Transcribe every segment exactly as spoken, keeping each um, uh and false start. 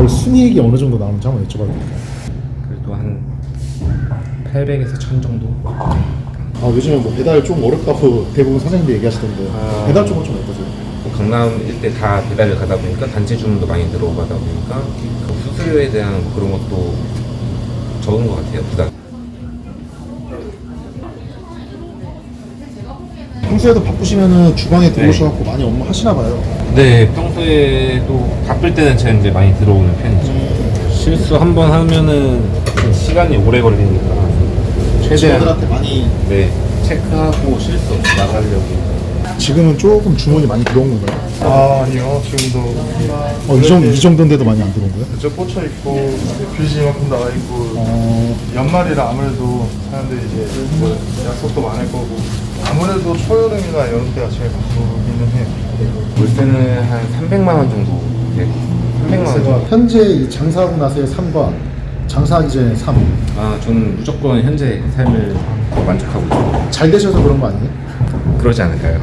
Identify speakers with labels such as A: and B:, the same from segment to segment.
A: 월 순이익이 어느 정도 나오는지 한번 여쭤봐도 될까요?
B: 그래도 한 팔백에서 천 정도.
A: 아, 요즘에 뭐 배달 좀 어렵다고 대부분 사장님들 얘기하시던데
B: 아.
A: 배달 쪽은 좀 어떠세요?
B: 강남 일대 다 배달을 가다 보니까 단체 주문도 많이 들어가다 보니까 그 수수료에 대한 그런 것도 적은 것 같아요, 부담.
A: 평소에도 바쁘시면은 주방에 들어오셔갖고 많이 업무 하시나 봐요.
B: 네, 평소에도 바쁠 때는 제가 이제 많이 들어오는 편이죠. 실수 한 번 하면은 시간이 오래 걸리니까 최대한
A: 직원들한테 많이.
B: 네 체크하고 실수 없이 나가려고.
A: 지금은 조금 주문이 많이 들어온 건가요?
C: 아 아니요 지금도
A: 어, 이, 정도, 이 정도인데도 많이 안 들어온 거예요?
C: 저 꽂혀 있고 뷰지 이만큼 나와 있고
A: 어,
C: 연말이라 아무래도 사람들이 이제 뭐 약속도 많을 거고 아무래도 초여름이나 여름 때가 제일 바쁘기는 해요.
B: 올 때는 한 삼백만 원 정도. 네, 삼백만 원 정도.
A: 현재 이 장사하고 나서의 삶과 장사하기 전의 삶,
B: 아, 저는 무조건 현재 삶을 더 만족하고 있어요.
A: 잘 되셔서 그런 거 아니에요?
B: 그러지 않을까요?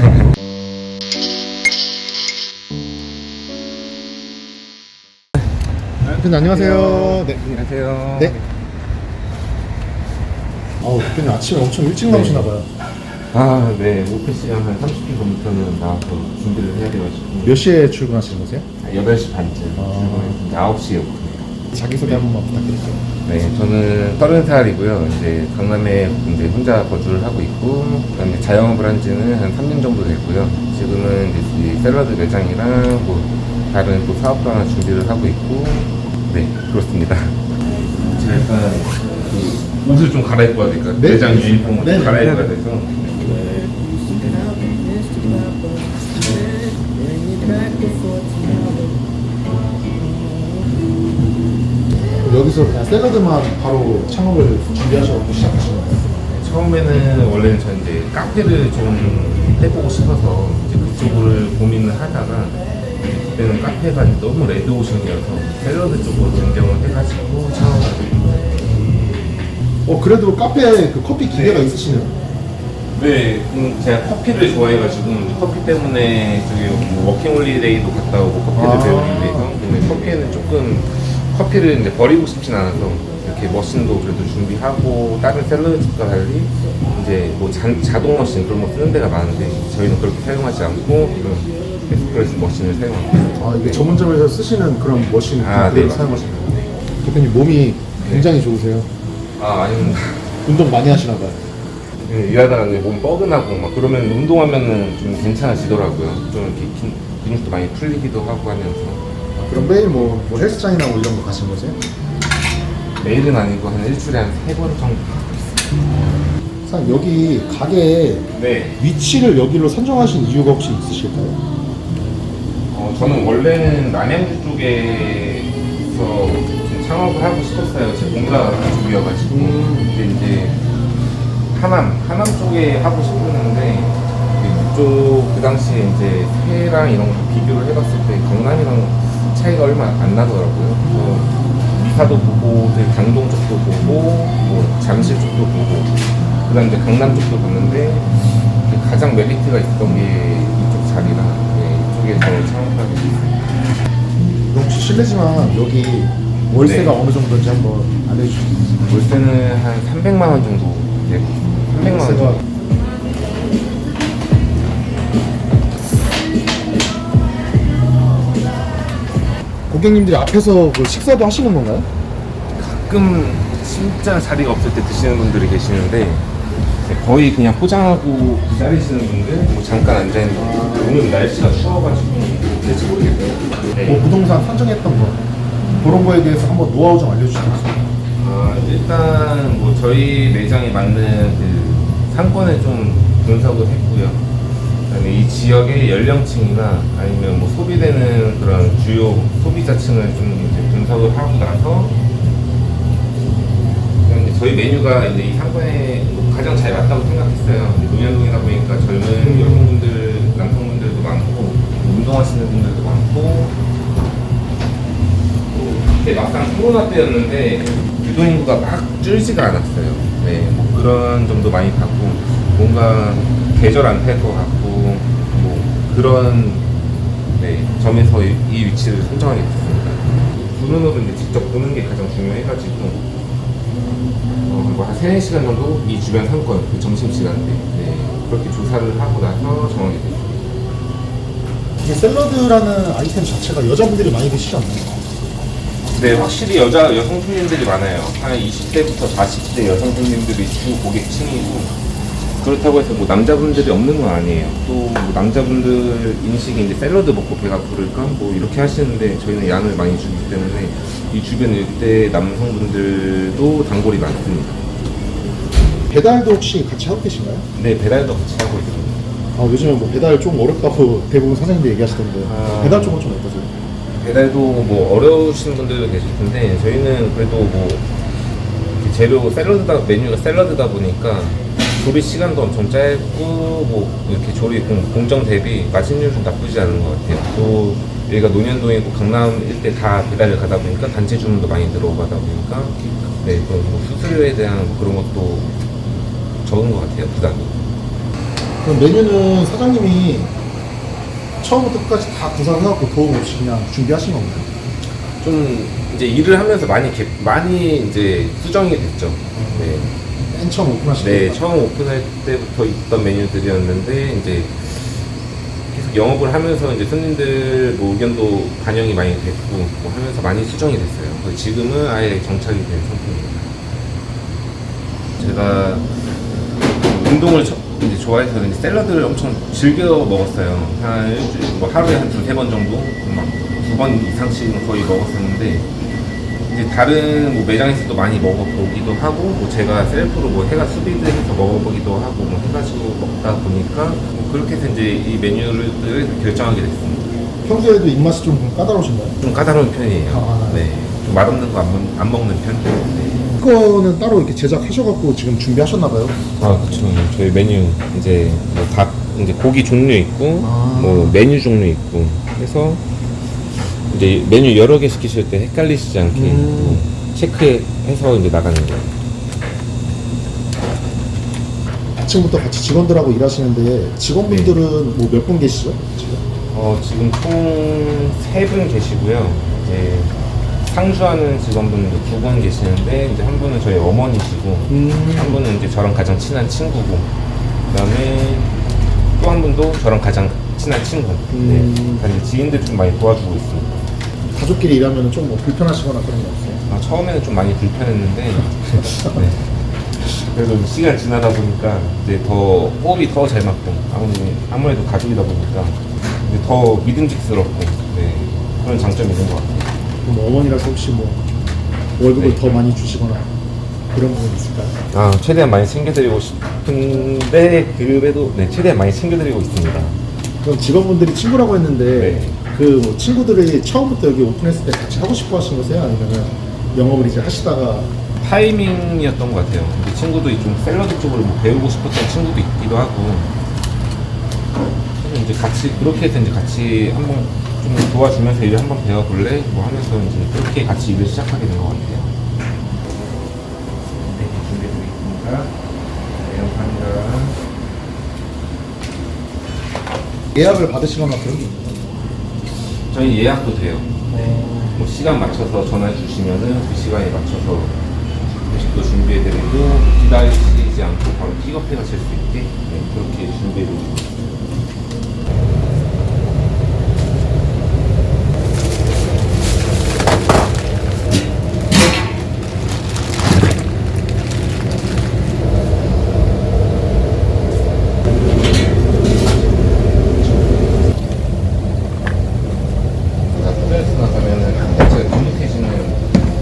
A: 대표님 안녕하세요. 네.
B: 안녕하세요.
A: 네. 아우, 대표님 아침에 엄청 일찍 나오시나 봐요.
B: 아, 네. 오픈 시간 한 삼십 분 전부터는 나와서 준비를 해야 돼가지고.
A: 몇 시에 출근하시는 거세요?
B: 여덟 시 반쯤
A: 아.
B: 출근했는데 아홉 시에 오픈해요.
A: 자기소개 한 번만 부탁드릴게요.
B: 네, 저는 서른 살이고요. 이제 강남에 이제 혼자 거주를 하고 있고, 그다음에 자영업을 한 지는 한 삼 년 정도 됐고요. 지금은 이제 이 샐러드 매장이랑 뭐 다른 또 사업도 하나 준비를 하고 있고, 네, 그렇습니다. 제가 일단 그 옷을 좀 갈아입고 와야 될까?
A: 네?
B: 매장 유니폼을
A: 네,
B: 좀
A: 네,
B: 갈아입어야
A: 네.
B: 돼서.
A: 여기서 그냥 샐러드만 바로 창업을 준비하셔서 시작하시는 거예요?
B: 처음에는 원래는 저 이제 카페를 좀 해보고 싶어서 이제 그쪽을 고민을 하다가 그때는 카페가 너무 레드오션이어서 샐러드 쪽으로 변경을 해가지고 창업을 하게 됐어요.
A: 어, 그래도 카페에 그 커피 기계가
B: 네.
A: 있으시네요.
B: 네, 음, 제가 커피를 좋아해가지고 커피 때문에 저기 뭐 워킹홀리데이도 갔다 오고 커피를
A: 아.
B: 배우기 위해서. 근데 커피는 조금 커피를 이제 버리고 싶진 않아서 이렇게 머신도 그래도 준비하고 다른 샐러드집과 달리 이제 뭐 자, 자동 머신 그런 거 쓰는 데가 많은데 저희는 그렇게 사용하지 않고 이런 에스프레소 머신을 사용합니다.
A: 아, 이게 전문점에서 쓰시는 그런 머신
B: 아,
A: 그대로
B: 네.
A: 사용하시는 거예요? 대표님 몸이 굉장히 좋으세요.
B: 아, 아닙니다.
A: 운동 많이 하시나 봐요.
B: 네, 일하다가 이제 몸 뻐근하고 막 그러면 운동하면은 좀 괜찮아지더라고요. 좀 이렇게 긴- 근육도 많이 풀리기도 하고 하면서.
A: 아, 그럼 매일 뭐, 뭐 헬스장이나 뭐 이런 거 가시는 거세요?
B: 매일은 아니고 한 일주일에 한 세 번 정도 하고 있어요.
A: 사장님, 여기 가게
B: 네.
A: 위치를 여기로 선정하신 이유가 혹시 있으실까요?
B: 어, 저는 원래는 남양주 쪽에서 좀 창업을 하고 싶었어요. 제 본가 쪽이어가지고. 근데 이제 하남, 하남 쪽에 하고 싶었는데 그쪽 그 당시에 이제 새랑 이런 거 비교를 해봤을 때 강남이랑 차이가 얼마 안 나더라고요. 그래서 미사도 보고, 저희 강동 쪽도 보고, 뭐 잠실 쪽도 보고, 그다음 이제 강남 쪽도 봤는데 가장 메리트가 있었던 게 이쪽 자리라 네, 이쪽에서 창업하게 됐어요.
A: 혹시 실례지만 여기 월세가
B: 네.
A: 어느 정도인지 한번 알려주실 수 있어요?
B: 월세는 한 삼백만 원 정도. 네, 삼백만 원 정도.
A: 고객님들이 앞에서 그 식사도 하시는 건가요?
B: 가끔 진짜 자리가 없을 때 드시는 분들이 계시는데 거의 그냥 포장하고 기다리시는 분들, 뭐 잠깐 앉아있는 분들. 오늘 날씨가 추워가지고 될지 모르겠어요. 네.
A: 뭐 부동산 선정했던 거 그런 거에 대해서 한번 노하우 좀 알려주시겠어요?
B: 어, 일단 뭐 저희 매장에 맞는 그 상권을 좀 분석을 했고요. 그다음에 이 지역의 연령층이나 아니면 뭐 소비되는 그런 주요 소비자층을 좀 이제 분석을 하고 나서 그냥 이제 저희 메뉴가 이제 이 상권에 가장 잘 맞다고 생각했어요. 논현동이다 보니까 젊은 여성분들, 남성분들도 많고 운동하시는 분들도 많고 그때 막상 코로나 때였는데 유동인구가 막 줄지가 않았어요. 네, 뭐 그런 점도 많이 봤고 뭔가 계절 안 탈 것 같고 뭐 그런 네, 점에서 이, 이 위치를 선정하게 됐습니다. 눈으로 이제 직접 보는 게 가장 중요해가지고 어, 그리고 한 세네 시간 정도 이 주변 상권, 그 점심시간대 네, 그렇게 조사를 하고 나서 정하게 됐어요.
A: 이게 샐러드라는 아이템 자체가 여자분들이 많이 드시지 않나요?
B: 네, 확실히 여자, 여성 손님들이 많아요. 한 이십 대부터 사십 대 여성 손님들이 주 고객층이고, 그렇다고 해서 뭐 남자분들이 없는 건 아니에요. 또뭐 남자분들 인식이 이제 샐러드 먹고 배가 부를까? 뭐 이렇게 하시는데 저희는 양을 많이 주기 때문에 이 주변 일대 남성분들도 단골이 많습니다.
A: 배달도 혹시 같이 하고 계신가요?
B: 네, 배달도 같이 하고 있습니다.
A: 아, 요즘에 뭐 배달 좀 어렵다고 대부분 사장님들 얘기하시던데
B: 아.
A: 배달 쪽은 좀 어떠세요?
B: 배달도 뭐 어려우신 분들도 계실 텐데 저희는 그래도 뭐 이렇게 재료 샐러드다 메뉴가 샐러드다 보니까 조리 시간도 엄청 짧고 뭐 이렇게 조리 공, 공정 대비 맛있는 좀 나쁘지 않은 것 같아요. 또 여기가 논현동이고 강남 일대 다 배달을 가다 보니까 단체 주문도 많이 들어가다 보니까 네, 또 수수료에 대한 그런 것도 적은 것 같아요, 부담이.
A: 그럼 메뉴는 사장님이 처음부터 끝까지 다 구상해갖고 도움 없이 그냥 준비하신 건가요?
B: 좀 이제 일을 하면서 많이 개, 많이 이제 수정이 됐죠. 네.
A: 맨 처음 오픈하신
B: 네,
A: 건가요?
B: 처음 오픈할 때부터 있던 메뉴들이었는데 이제 계속 영업을 하면서 이제 손님들 뭐 의견도 반영이 많이 됐고 뭐 하면서 많이 수정이 됐어요. 그래서 지금은 아예 정착이 된 상태입니다. 제가 운동을 저- 이제 좋아해서 이제 샐러드를 엄청 즐겨 먹었어요. 한 일주일, 뭐 하루에 한 두세 번 정도, 막 두 번 이상씩은 거의 먹었었는데, 이제 다른 뭐 매장에서도 많이 먹어보기도 하고, 뭐 제가 셀프로 뭐 해가 수비드해서 먹어보기도 하고, 뭐 해가지고 먹다 보니까, 뭐 그렇게 해서 이제 이 메뉴를 결정하게 됐습니다.
A: 평소에도 입맛이 좀 까다로우신가요?
B: 좀 까다로운 편이에요.
A: 아.
B: 네. 좀 맛없는 거 안 안 먹는 편. 네.
A: 이거는 따로 이렇게 제작하셔갖고 지금 준비하셨나봐요?
B: 아, 그렇죠. 저희 메뉴 이제 뭐 닭 이제 고기 종류 있고
A: 아.
B: 뭐 메뉴 종류 있고 해서 이제 메뉴 여러 개 시키실 때 헷갈리시지 않게
A: 음.
B: 뭐 체크해서 이제 나가는 거예요.
A: 아침부터 같이 직원들하고 일하시는데 직원분들은 뭐 몇 분 계시죠? 지금?
B: 어, 지금 총 세 분 계시고요. 이제 상주하는 직원분도 두 분 계시는데 이제 한 분은 저희 어머니시고
A: 음.
B: 한 분은 이제 저랑 가장 친한 친구고 그다음에 또 한 분도 저랑 가장 친한 친구.
A: 음.
B: 네. 다 이제 지인들 좀 많이 도와주고 있습니다.
A: 가족끼리 일하면 좀 뭐 불편하시거나 그런 거 없어요?
B: 아, 처음에는 좀 많이 불편했는데 네. 그래도 시간 지나다 보니까 이제 더 호흡이 더 잘 맞고 아무래도, 아무래도 가족이다 보니까 이제 더 믿음직스럽고 네. 그런 장점이 있는 것 같아요.
A: 그럼 어머니라서 혹시 뭐 월급을
B: 네.
A: 더 많이 주시거나 그런 부분 있을까요?
B: 아, 최대한 많이 챙겨드리고 싶은데 그래도 네, 최대한 많이 챙겨드리고 있습니다.
A: 그럼 직원분들이 친구라고 했는데
B: 네.
A: 그 뭐 친구들이 처음부터 여기 오픈했을 때 같이 하고 싶어 하신 거세요? 아니면은 영업을 이제 하시다가
B: 타이밍이었던 것 같아요. 그 친구도 좀 샐러드 쪽을 뭐 배우고 싶었던 친구도 있기도 하고 그래서 이제 같이 그렇게 해서 이제 같이 한번 좀 도와주면서 일을 한번 배워볼래? 뭐 하면서 이제 그렇게 같이 일을 시작하게 된 것 같아요. 네, 준비해드리겠습니다. 네, 감사합니다.
A: 예약을 받으시거나 그런 게 있나요?
B: 저희 예약도 돼요. 뭐 시간 맞춰서 전화 주시면은 그 시간에 맞춰서 음식도 준비해드리고 기다리시지 않고 바로 픽업해 가실 수 있게 네, 그렇게 준비해드리고 있습니다. 스트레스 나가면은 자체가 눅눅해지는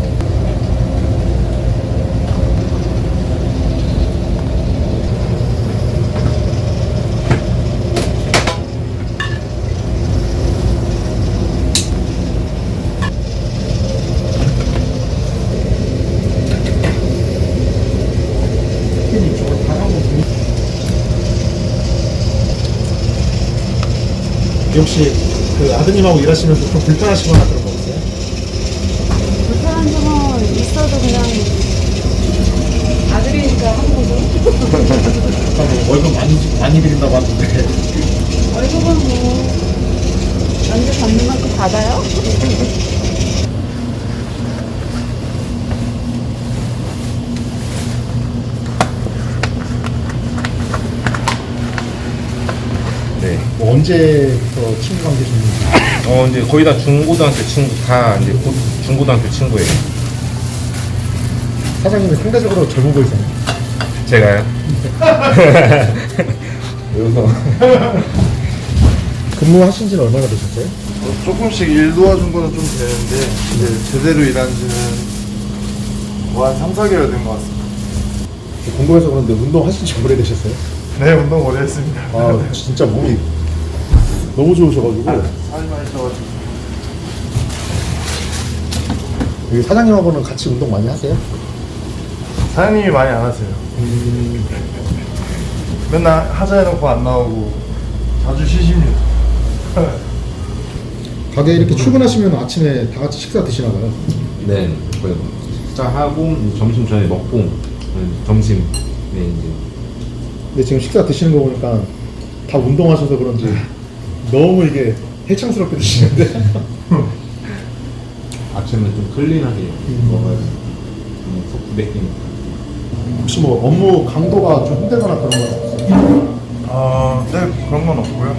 A: 이쪽으로 가라고. 혹시 그 아드님하고 일하시면서 좀 불편하시거나 그런 거 없어요?
D: 불편한 점은 있어도 그냥 아들이니까 하는 거죠.
A: 아까 뭐 월급 많이 많이 드린다고 하는데
D: 월급은 뭐 언제 받는 만큼 받아요?
A: 언제부터 친구 관계 셨는지
B: 어 이제 거의 다 중고등학교 친구 다 이제 곧 중고등학교 친구예요.
A: 사장님이 상대적으로 젊어 보이세요.
B: 제가요? 여기서
A: 근무하신 지는 얼마나 되셨어요?
C: 어, 조금씩 일 도와준 거는 좀 되는데 이제 제대로 일한 지는 뭐 한 삼, 사 개월 된 것 같습니다.
A: 궁금해서 그런데 운동하신 지 오래되셨어요?
C: 네, 운동 오래 했습니다.
A: 아 진짜 몸이 너무 좋으셔가지고
C: 살이 많이 쪄가지고.
A: 여기 사장님하고는 같이 운동 많이 하세요?
C: 사장님이 많이 안 하세요.
A: 음,
C: 맨날 하자 해놓고 안 나오고 자주 쉬십니다.
A: 가게 이렇게 출근하시면 아침에 다 같이 식사 드시나 봐요.
B: 네 거의 식사하고 점심 전에 먹고 네, 점심 네 이제
A: 근데 지금 식사 드시는 거 보니까 다 운동하셔서 그런지 너무 이게 해창스럽게 드시는데
B: 아침에 좀 클린하게 먹어야 속 부대끼니까.
A: 혹시 뭐 업무 강도가 좀 힘들거나 그런 건 없어요?
C: 아, 네, 그런 건 없고요.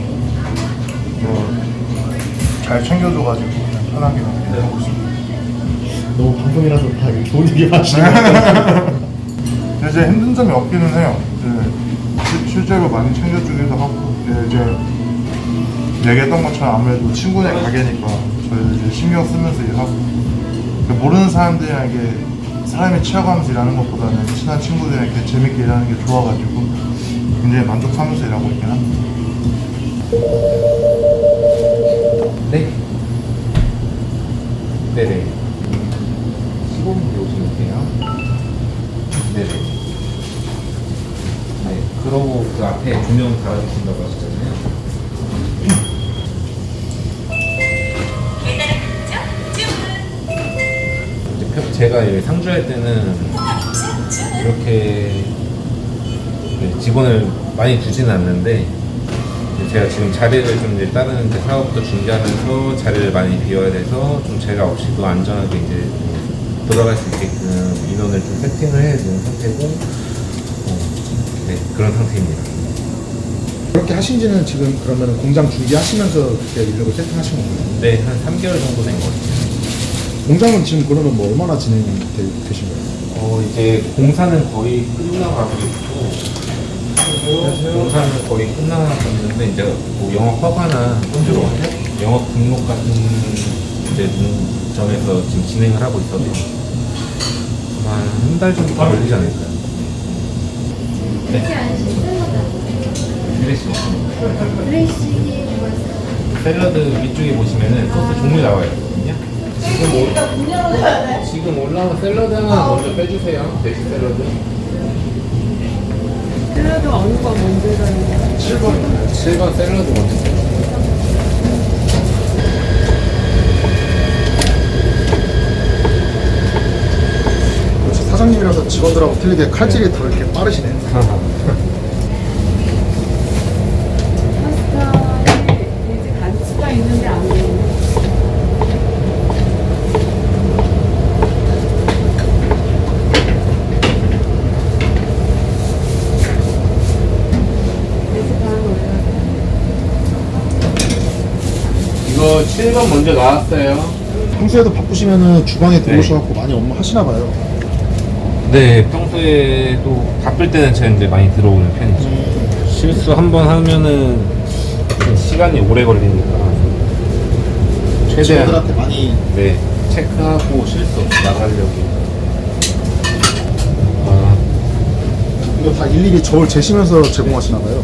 C: 뭐 잘 챙겨줘가지고 그냥 편하게 하고 있습니다.
A: 너무 방송이라서 다 이렇게 좋은 얘기 하시는 것 같아요.
C: 근데 이제 힘든 점이 없기는 해요. 이제 시- 실제로 많이 챙겨주기도 하고 이제, 이제 얘기했던 것처럼 아무래도 친구네 가게니까 저희 이제 신경 쓰면서 일하고 모르는 사람들이랑 이게 사람이 치여가면서 일하는 것보다는 친한 친구들이랑 이렇게 재밌게 일하는 게 좋아가지고 굉장히 만족하면서 일하고 있긴 합니다.
B: 네. 네네. 십오 분 오시면 돼요. 네네. 네. 그러고 그 앞에 조명 달아주신다고 하셨잖아요. 이제 펴- 제가 여기 상주할 때는 이렇게 네, 직원을 많이 두지는 않는데 이제 제가 지금 자리를 좀 이제 다른 이제 사업도 준비하면서 자리를 많이 비워야 돼서 좀 제가 없이도 안전하게 이제 돌아갈 수 있게끔 인원을 좀 세팅을 해야 되는 상태고 어, 네 그런 상태입니다.
A: 그렇게 하신 지는 지금 그러면 공장 준비하시면서 그렇게 인력을 세팅하신 건가요?
B: 네, 한 삼 개월 정도 된 것 같아요.
A: 공장은 지금 그러면 뭐 얼마나 진행되신 거예요?
B: 어, 이제 공사는 거의 끝나가고 있고 공사는 거의 끝나갔는데 이제 뭐 영업 허가나 이런 영업 등록 같은 이제 문점에서 지금 진행을 하고 있어서 아마 한 달 정도 걸리지 않을까요? 네. 드레싱 없습니다.
D: 드레싱이 뭐였어요?
B: 샐러드 위쪽에 보시면은 소스 종류 나와 있거든요. 지금, 올, 지금 올라온 샐러드 하나 먼저 빼주세요. 돼지 샐러드.
D: 샐러드 어느 거 먼저 가는 거야?
B: 칠 번. 칠 번 샐러드 먼저 주세요.
A: 역시 사장님이라서 직원들하고 틀리게 칼질이 더 이렇게 빠르시네요.
D: 파스타에 이제 간치가 있는데 안 보이네. 돼지 반 올려야 돼.
B: 이거 칠 번 먼저 나왔어요.
A: 평소에도 바쁘시면은 주방에 들어오셔갖고 많이 업무 하시나 봐요.
B: 네, 평소에도 바쁠 때는 제가 이제 많이 들어오는 편이죠. 실수 한 번 하면은 시간이 오래 걸리니까 최대한
A: 직원들한테 많이
B: 네 체크하고 실수 없이 나가려고. 아,
A: 이거 다 일일이 저울 재시면서 제공하시나 봐요.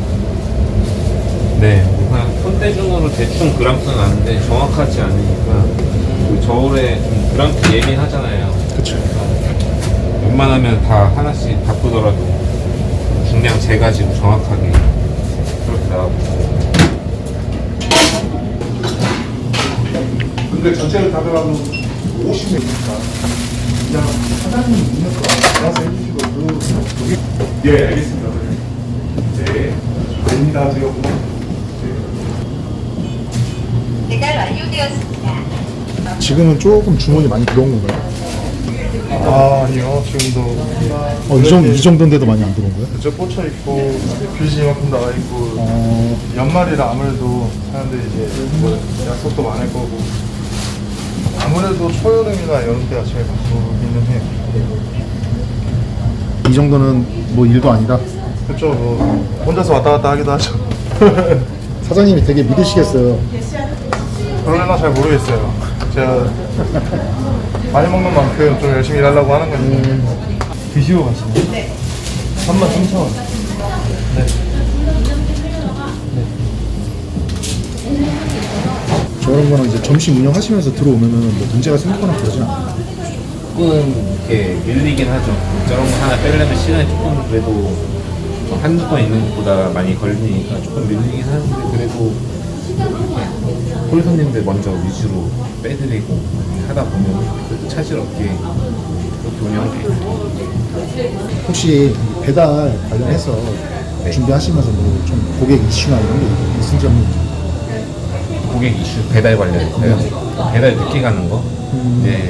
B: 네, 그냥 손대중으로 대충 그램수는 아는데 정확하지 않으니까 그 저울에 좀 그램수 예민하잖아요.
A: 그쵸.
B: 웬만하면 다 하나씩 바꾸더라도 중량 재가지고 정확하게 그렇게 나가고.
A: 근데 전체를 다 들어가면 오십 명이니까 그냥 사장님 있는 거 알아서 해주시고 그
C: 예, 알겠습니다. 네, 아닙니다. 제가 뭐
E: 배달 완료되었습니다.
A: 지금은 조금 주문이 많이 들어온 건가요?
C: 아 아니요 지금도
A: 어, 이, 정도, 이 정도인데도 많이 안 들어온 거예요?
C: 그저 꽂혀 있고 뷰지 이만큼 나와 있고
A: 어,
C: 연말이라 아무래도 사람들이 이제 뭐 약속도 많을 거고 아무래도 초여름이나 여름 때가 제일 바쁘기는 해요.
A: 이 정도는 뭐 일도 아니다.
C: 그쵸 뭐 혼자서 왔다 갔다 하기도 하죠.
A: 사장님이 되게 믿으시겠어요.
C: 그러려나 잘 모르겠어요. 제가 많이 먹는 만큼 좀 열심히 일하려고 하는 건데.
E: 드시고 가시나요? 네. 삼만 삼천 원. 네.
A: 저런 거는 이제 점심 운영하시면서 들어오면은 뭐 문제가 생기거나 그러진 않아요.
B: 조금 이렇게 밀리긴 하죠. 저런 거 하나 빼려면 시간이 조금 그래도 한두 번 있는 것보다 많이 걸리니까 조금 밀리긴 하는데 그래도 이렇게 홀 손님들 먼저 위주로 빼드리고 하다 보면 그래도 차질 없게 그렇게 운영돼 있어요.
A: 혹시 배달 관련해서
B: 네.
A: 준비하시면서 뭐 좀 고객 이슈나 이런 게 있은지 없는지.
B: 고객 이슈 배달 관련해서요. 배달 늦게 가는 거. 이제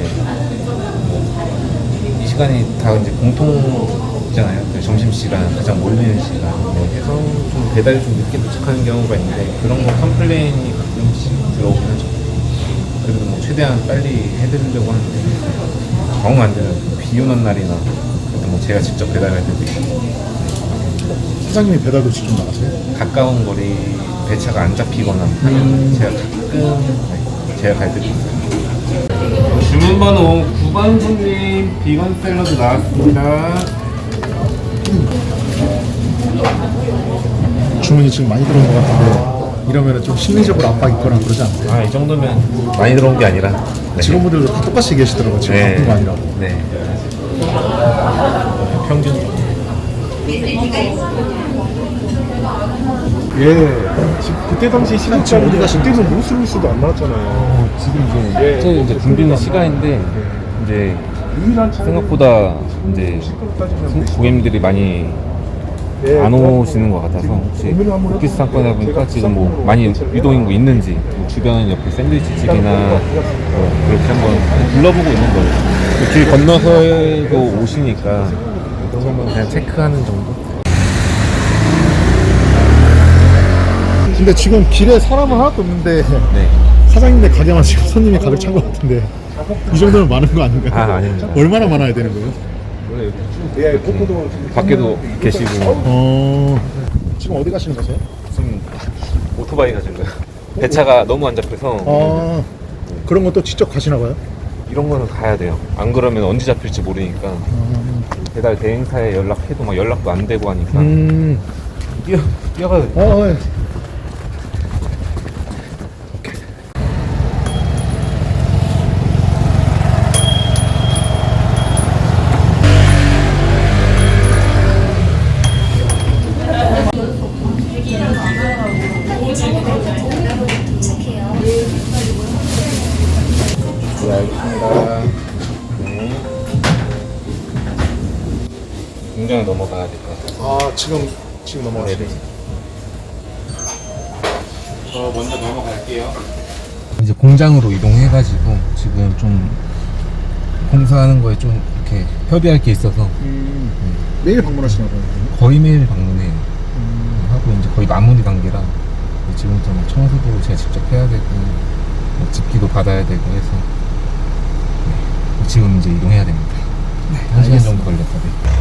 B: 뭐 이 시간이 다 이제 공통이잖아요. 그 점심 시간 가장 몰리는 시간. 네, 해서 좀 배달이 좀 늦게 도착하는 경우가 있는데 그런 거 컴플레인이 가끔씩 들어오긴 하죠. 그래도 뭐 최대한 빨리 해드리려고 하는데 정 안 되면 비 오는 날이나 그래도 뭐 제가 직접 배달할 때도 있고.
A: 사장님이 배달도 직접 나가세요?
B: 가까운 거리 배차가 안 잡히거나 하면 제가 가끔 네, 제가 갈 때도 있어요. 주문 번호 구 번 손님 비건 샐러드 나왔습니다.
A: 주문이 지금 많이 들어온 것 같은데 이러면 좀 심리적으로 압박 있거나 그러지 않으세요?
B: 아, 이 정도면 많이 들어온 게 아니라 네.
A: 직원분들도 다 똑같이 계시더라고요. 지금
B: 네.
A: 바쁜 거 아니라고.
B: 네. 평균 정도.
E: 예. 지금 그때 당시 시간
A: 지금 어디 가신
E: 그때는 루스루스도 안 나왔잖아요.
F: 지금 이제 저 이제 붐비는 시간인데 이제
E: 유일한 차는
F: 생각보다 이제 고객님들이 많이 안 오시는 것 같아서 혹시 오피스 상권이다 보니까 지금 뭐 많이 유동인구 있는지 뭐 주변 옆에 샌드위치집이나 뭐 그렇게 한번 둘러보고 있는 거예요. 길 건너서도 오시니까 한번 그냥 체크하는 정도.
A: 근데 지금 길에 사람은 하나도 없는데
F: 네.
A: 사장님네 가게만 지금 손님이 가득 찬 것 같은데 이 정도면 많은 거 아닌가요?
F: 아, 아닙니다.
A: 얼마나 많아야 되는 거예요?
E: 예, 포크도
F: 밖에도 계시고
A: 어... 지금 어디 가시는 거세요?
F: 지금 오토바이 가신 거예요. 배차가 너무 안 잡혀서
A: 아 그런 것도 직접 가시나 봐요?
F: 이런 거는 가야 돼요. 안 그러면 언제 잡힐지 모르니까 배달 대행사에 연락해도 막 연락도 안 되고 하니까
A: 음...
F: 뛰어 뛰어가야 돼.
A: 어, 예.
B: 네, 알겠습니다. 네. 공장에 넘어가야 될 것 같아요.
A: 아 지금 지금 넘어가시네.
B: 네네. 저 먼저 넘어갈게요.
F: 이제 공장으로 이동해가지고 지금 좀 공사하는 거에 좀 이렇게 협의할 게 있어서
A: 음... 매일 방문하시나 봐요.
F: 거의 매일 방문해요. 하고 이제 거의 마무리 단계라 지금부터 뭐 청소도 제가 직접 해야 되고 뭐 집기도 받아야 되고 해서 네. 지금 이제 이동해야 됩니다. 네, 한 시간 정도 걸렸거든요.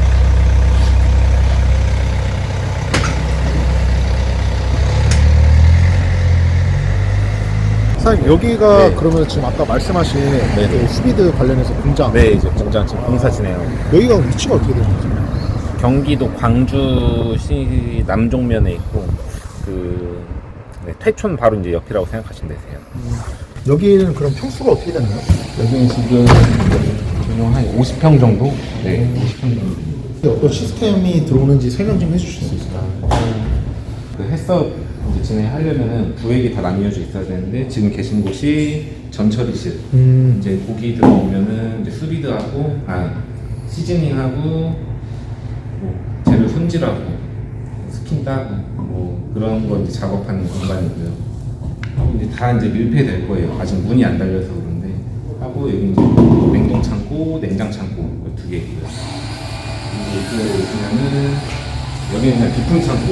A: 사장님 여기가
B: 네.
A: 그러면 지금 아까 말씀하신
B: 네네.
A: 그 후비드 관련해서 공장
B: 네, 이제 공장 지금 공사 진행하고
A: 여기가 위치가 어떻게 되는 거죠?
B: 경기도 광주시 남종면에 있고 그 네, 퇴촌 바로 이제 옆이라고 생각하시면 되세요.
A: 여기는 그럼 평수가 어떻게 되나요?
B: 여기는 지금 한 오십 평 정도? 네, 오십 평 정도.
A: 어떤 시스템이 들어오는지 설명 좀 해주실 수 있을까요?
B: 그 해썹 이제 진행하려면은 구획이 다 나뉘어져 있어야 되는데 지금 계신 곳이 전처리실.
A: 음.
B: 이제 고기 들어오면은 이제 수비드하고 아 시즈닝하고 뭐 재료 손질하고 스킨 따고 뭐 그런 거 이제 작업하는 공간이고요. 하고 이제 다 이제 밀폐될 거예요. 아직 문이 안 달려서 그런데 하고 여기 이제 냉동 창고 있고 냉장 창고 두 개 있고요. 그리고 이쪽으로 오시면은 여기는 그냥 비품 창고.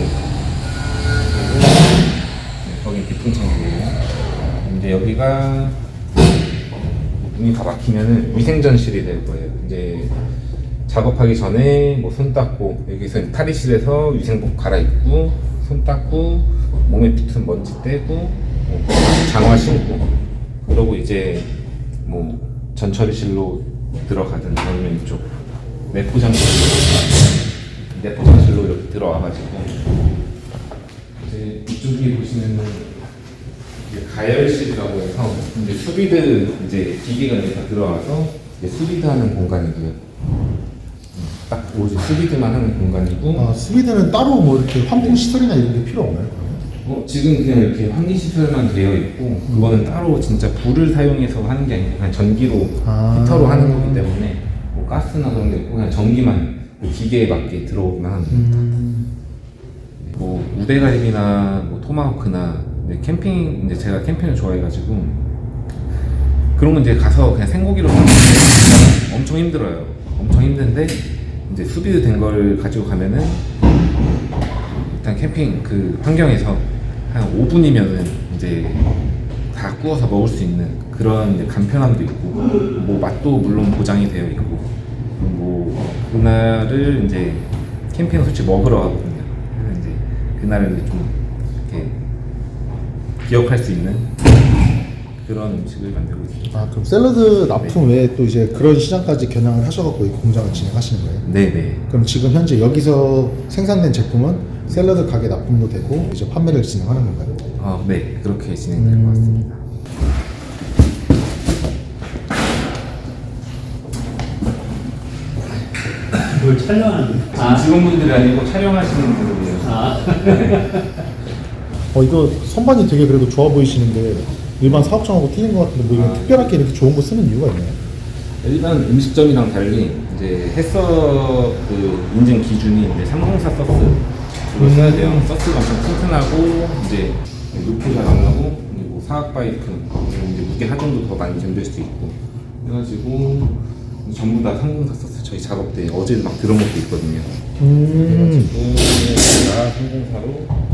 B: 네, 거긴 비품 창고예요. 이제 여기가 문이 다 막히면은 위생전실이 될 거예요. 이제 작업하기 전에 뭐 손 닦고 여기서 탈의실에서 위생복 갈아입고 손 닦고 몸에 붙은 먼지 떼고 뭐 장화 신고 그러고 이제 뭐 전처리실로 들어가든 아니면 이쪽 내포장실로 내포장실로 이렇게 들어와가지고 이제 이쪽에 보시면은 이제 가열실이라고 해서 이제 수비드 이제 기계가 이제 다 들어와서 이제 수비드하는 공간이고요. 딱 오직 수비드만 하는 공간이고.
A: 아, 스위드는 따로 뭐 이렇게 환풍 시설이나 이런 게 필요 없나요?
B: 어, 지금 그냥 이렇게 환기 시설만 되어 있고 그거는 따로 진짜 불을 사용해서 하는 게 아니라 그냥 전기로
A: 아.
B: 히터로 하는 거기 때문에 뭐 가스나 그런 게 없고 그냥 전기만 그 기계에 맞게 들어오기만 하는 겁니다.
A: 음.
B: 뭐 우대갈비나 뭐 토마호크나 이제 캠핑 이제 제가 캠핑을 좋아해가지고 그런 건 이제 가서 그냥 생고기로 먹는데 엄청 힘들어요. 엄청 힘든데 이제 수비드 된 걸 가지고 가면은 일단 캠핑 그 환경에서 한 오 분이면은 이제 다 구워서 먹을 수 있는 그런 이제 간편함도 있고 뭐 맛도 물론 보장이 되어 있고 뭐 그날을 이제 캠핑을 솔직히 먹으러 가거든요. 그래서 이제 그날을 이제 좀 이렇게 기억할 수 있는 그런 음식을 만들고 있습니다.
A: 아, 그럼 샐러드 납품 외에 또 이제 그런 시장까지 겨냥을 하셔갖고 이 공장을 진행하시는 거예요?
B: 네네.
A: 그럼 지금 현재 여기서 생산된 제품은 샐러드 가게 납품도 되고 이제 판매를 진행하는 건가요?
B: 아, 네 그렇게 진행될
A: 음.
B: 것 같습니다.
E: 뭘 촬영하는
B: 지금 직원분들이 아니고 촬영하시는 분들이에요.
E: 아.
A: 어, 이거 선반이 되게 그래도 좋아 보이시는데 일반 사업장하고 틀린 것 같은데 뭐 이런
B: 아.
A: 특별하게 이렇게 좋은 거 쓰는 이유가 있나요?
B: 일반 음식점이랑 달리 이제 햇서 그 인증 기준이 이제 삼공사 서스 그걸 써야 돼요. 서스가 엄청 튼튼하고 이제 노표가 안 나고 그리고 사각 파이프 그리고 이제 무게 하중도 더 많이 견딜 수 있고 해가지고 전부 다 삼공사 서스 저희 작업 때 어제 막 들은 것도 있거든요.
A: 음.
B: 그래가지고 다 삼공사로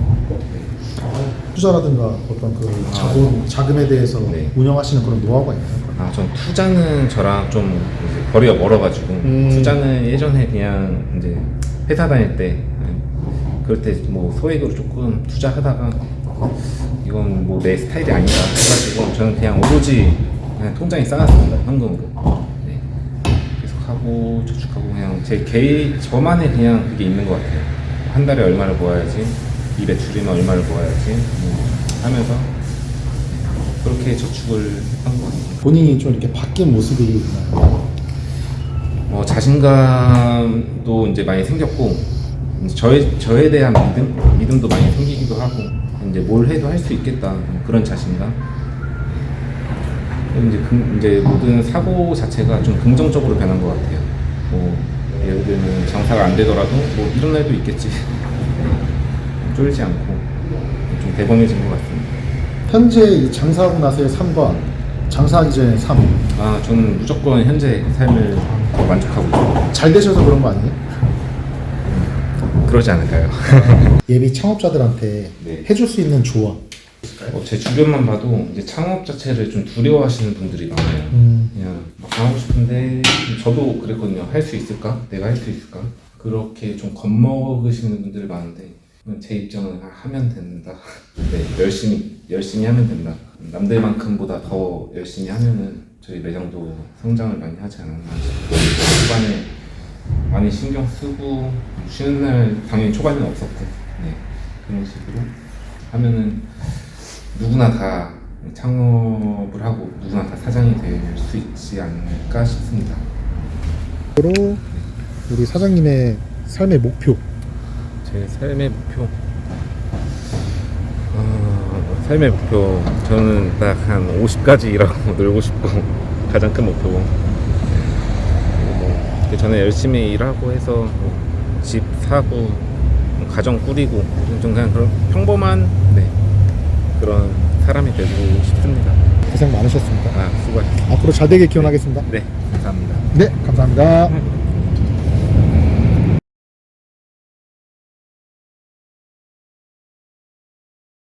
A: 투자라든가 어떤 그
B: 아.
A: 자본, 자금에 대해서
B: 네.
A: 운영하시는 그런 노하우가 있나요?
B: 아, 전 투자는 저랑 좀 이제 거리가 멀어가지고
A: 음.
B: 투자는 예전에 그냥 이제 회사 다닐 때 그럴 때 뭐 소액으로 조금 투자하다가 이건 뭐 내 스타일이 아니다 해가지고 저는 그냥 오로지 그냥 통장에 쌓았습니다. 현금으로. 네. 계속 하고 저축하고 그냥 제 개인 저만의 그냥 그게 있는 것 같아요. 한 달에 얼마를 모아야지 이 매출이면 얼마를 모아야지 뭐 하면서 그렇게 저축을 한 것 같아요.
A: 본인이 좀 이렇게 바뀐 모습이 있나요?
B: 어, 자신감도 이제 많이 생겼고 이제 저에 저에 대한 믿음 믿음도 많이 생기기도 하고 이제 뭘 해도 할 수 있겠다 그런 자신감. 그리고 이제 금, 이제 모든 사고 자체가 좀 긍정적으로 변한 것 같아요. 뭐 예를 들면 장사가 안 되더라도 뭐 이런 날도 있겠지. 쫄지 않고 좀 대범해진 것 같습니다.
A: 현재 이 장사하고 나서의 삶과 장사하기 전의 삶,
B: 아 저는 무조건 현재 삶을 더 만족하고 있어요.
A: 잘 되셔서 그런 거 아니에요?
B: 그러지 않을까요?
A: 예비 창업자들한테
B: 네.
A: 해줄 수 있는 조언.
B: 어, 제 주변만 봐도 이제 창업 자체를 좀 두려워하시는 분들이 많아요.
A: 음.
B: 그냥 막 하고 싶은데 저도 그랬거든요. 할 수 있을까? 내가 할 수 있을까? 그렇게 좀 겁먹으시는 분들이 많은데 제 입장은 하면 된다. 네, 열심히 열심히 하면 된다. 남들만큼보다 더 열심히 하면은 저희 매장도 성장을 많이 하지 않았나 싶고 초반에 많이 신경 쓰고 쉬는 날 당연히 초반에는 없었고 네, 그런 식으로 하면은 누구나 다 창업을 하고 누구나 다 사장이 될 수 있지 않을까 싶습니다.
A: 그리고 우리 사장님의 삶의 목표.
B: 제 삶의 목표 어, 삶의 목표 저는 딱 한 오십까지 일하고 놀고 싶고 가장 큰 목표고 뭐, 저는 열심히 일하고 해서 뭐, 집 사고 뭐, 가정 꾸리고 좀 그냥 그런 평범한 네, 그런 사람이 되고 싶습니다.
A: 고생 많으셨습니다.
B: 아 수고하셨습니다.
A: 앞으로 잘 되길 기원하겠습니다.
B: 네 감사합니다.
A: 네, 감사합니다.